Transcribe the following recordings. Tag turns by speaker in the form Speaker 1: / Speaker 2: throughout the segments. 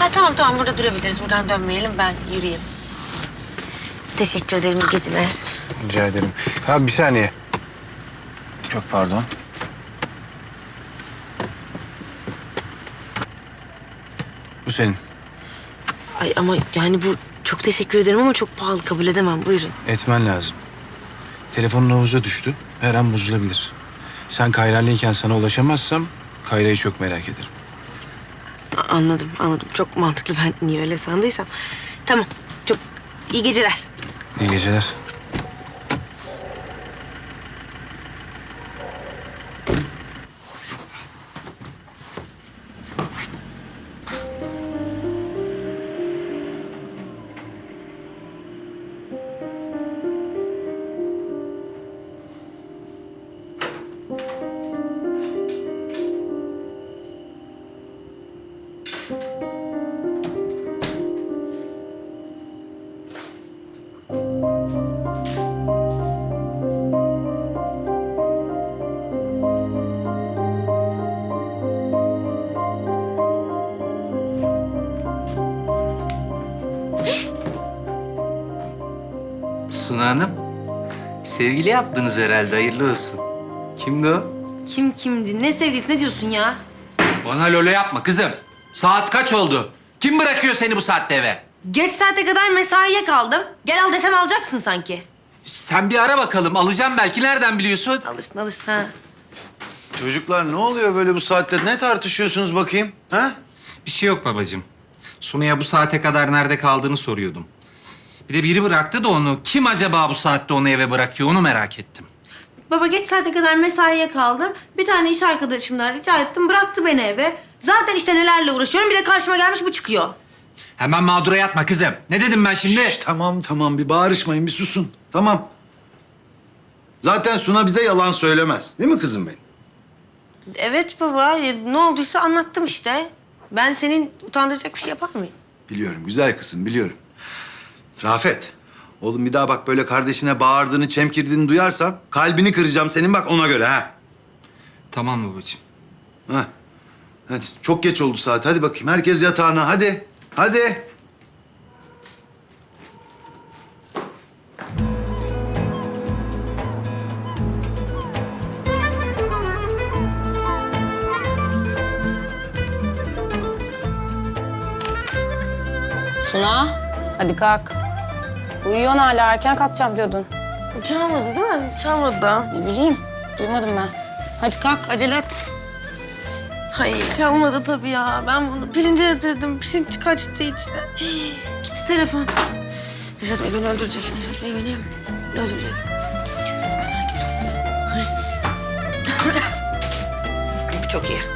Speaker 1: Ha tamam burada durabiliriz. Buradan dönmeyelim, ben yürüyeyim. Teşekkür ederim, iyi geceler.
Speaker 2: Rica ederim. Ha bir saniye. Çok pardon. Bu senin.
Speaker 1: Ay ama yani bu çok teşekkür ederim ama çok pahalı, kabul edemem. Buyurun.
Speaker 2: Etmen lazım. Telefonun havuza düştü. Her an bozulabilir. Sen Kayra'lıyken sana ulaşamazsam Kayra'yı çok merak ederim.
Speaker 1: Anladım. Çok mantıklı, ben niye öyle sandıysam. Tamam, çok iyi geceler.
Speaker 2: İyi geceler.
Speaker 3: Suna Hanım, sevgili yaptınız herhalde, hayırlı olsun. Kimdi o?
Speaker 1: Kimdi? Ne sevgilisi, ne diyorsun ya?
Speaker 3: Bana lolo yapma kızım. Saat kaç oldu? Kim bırakıyor seni bu saatte eve?
Speaker 1: Geç saate kadar mesaiye kaldım. Gel al desem alacaksın sanki.
Speaker 3: Sen bir ara bakalım, alacağım belki, nereden biliyorsun?
Speaker 1: Alırsın ha.
Speaker 4: Çocuklar ne oluyor böyle bu saatte? Ne tartışıyorsunuz bakayım? Ha?
Speaker 3: Bir şey yok babacığım. Suna'ya bu saate kadar nerede kaldığını soruyordum. Bir de biri bıraktı da onu. Kim acaba bu saatte onu eve bırakıyor, onu merak ettim.
Speaker 1: Baba geç saate kadar mesaiye kaldım. Bir tane iş arkadaşımdan rica ettim, bıraktı beni eve. Zaten işte nelerle uğraşıyorum, bir de karşıma gelmiş bu çıkıyor.
Speaker 3: Hemen mağdura yatma kızım. Ne dedim ben şimdi?
Speaker 4: Tamam bir bağırışmayın bir susun. Tamam. Zaten Suna bize yalan söylemez. Değil mi kızım benim?
Speaker 1: Evet baba, ne olduysa anlattım işte. Ben senin utandıracak bir şey yapar mıyım?
Speaker 4: Biliyorum güzel kızım biliyorum. Rafet. Oğlum bir daha bak böyle kardeşine bağırdığını, çemkirdiğini duyarsam kalbini kıracağım senin bak ona göre ha.
Speaker 3: Tamam babacığım.
Speaker 4: Ha. Hadi çok geç oldu saat. Hadi bakayım herkes yatağına hadi. Hadi.
Speaker 5: Suna, hadi kalk. Uyuyorsun hala, erken kalkacağım diyordun.
Speaker 1: Çalmadı değil mi? Çalmadı da.
Speaker 5: Ne bileyim, duymadım ben. Hadi kalk, acele et.
Speaker 1: Hayır, çalmadı tabii ya. Ben bunu pirince yatırdım. Pirinç kaçtı içine. Gitti telefon. Necat Bey beni öldürecek. Necat Bey beni öldürecek. Git. Ay. Bu çok iyi.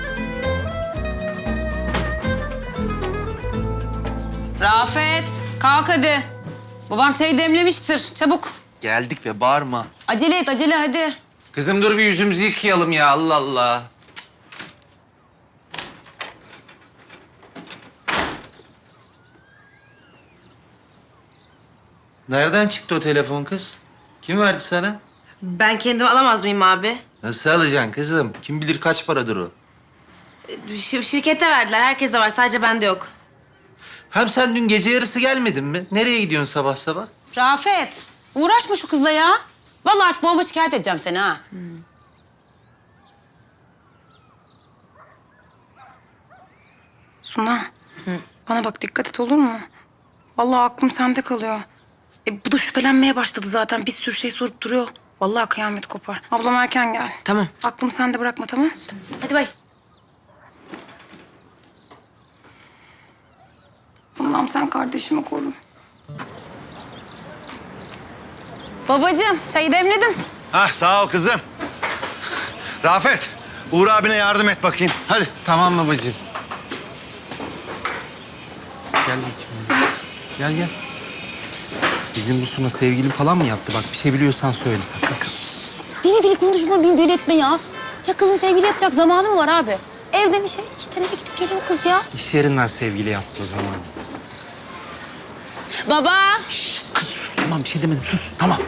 Speaker 5: Rafet, kalk hadi. Babam çayı demlemiştir, çabuk.
Speaker 3: Geldik be, bağırma.
Speaker 5: Acele et, acele hadi.
Speaker 3: Kızım dur bir yüzümüzü yıkayalım ya, Allah Allah. Nereden çıktı o telefon kız? Kim verdi sana?
Speaker 1: Ben kendim alamaz mıyım abi?
Speaker 3: Nasıl alacaksın kızım? Kim bilir kaç paradır o?
Speaker 1: Şirkete verdiler. Herkeste var. Sadece bende yok.
Speaker 3: Hem sen dün gece yarısı gelmedin mi? Nereye gidiyorsun sabah sabah?
Speaker 5: Rafet, uğraşma şu kızla ya. Vallahi artık babama şikayet edeceğim seni ha.
Speaker 6: Suna, bana bak dikkat et olur mu? Vallahi aklım sende kalıyor. Bu da şüphelenmeye başladı zaten. Bir sürü şey sorup duruyor. Vallahi kıyamet kopar. Ablam erken gel.
Speaker 1: Tamam.
Speaker 6: Aklımı sende bırakma tamam?
Speaker 1: Hadi bay.
Speaker 6: Allah'ım sen kardeşimi koru.
Speaker 5: Babacığım, çayı demledim.
Speaker 4: Hah sağ ol kızım. Rafet, Uğur abine yardım et bakayım. Hadi.
Speaker 3: Tamam babacığım. Gel bakayım. Gel. Bizim bu Suna sevgilim falan mı yaptı? Bak bir şey biliyorsan söyle sakın.
Speaker 5: Deli konuşma, beni deli etme ya. Ya kızın sevgili yapacak zamanı mı var abi? Evde bir şey, işte eve gidip geliyor kız ya.
Speaker 3: İş yerinden sevgili yaptı o zaman.
Speaker 5: Baba.
Speaker 3: Kız sus, tamam bir şey demedim, sus, tamam.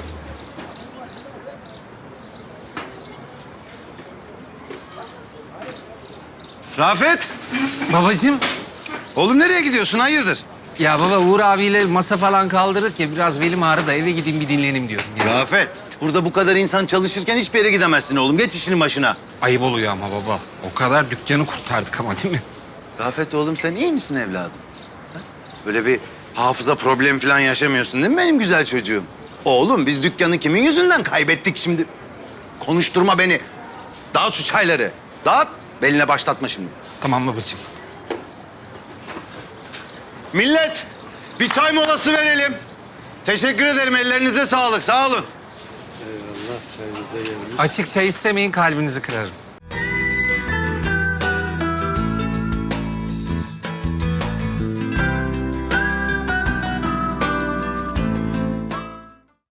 Speaker 4: Rafet.
Speaker 3: Babacığım.
Speaker 4: Oğlum nereye gidiyorsun? Hayırdır?
Speaker 3: Ya baba Uğur abiyle masa falan kaldırdık ya biraz belim ağrı da eve gideyim bir dinleneyim diyorum. Ya.
Speaker 4: Rafet, burada bu kadar insan çalışırken hiçbir yere gidemezsin oğlum. Geç işinin başına.
Speaker 3: Ayıp oluyor ama baba. O kadar dükkanı kurtardık ama değil mi?
Speaker 4: Rafet oğlum sen iyi misin evladım? Ha? Böyle bir hafıza problemi falan yaşamıyorsun değil mi benim güzel çocuğum? Oğlum biz dükkanı kimin yüzünden kaybettik şimdi? Konuşturma beni. Dağıt şu çayları. Dağıt. Beline başlatma şimdi.
Speaker 3: Tamam babacığım.
Speaker 4: Millet bir çay molası verelim. Teşekkür ederim. Ellerinize sağlık. Sağ olun.
Speaker 3: Açık çay istemeyin kalbinizi kırarım.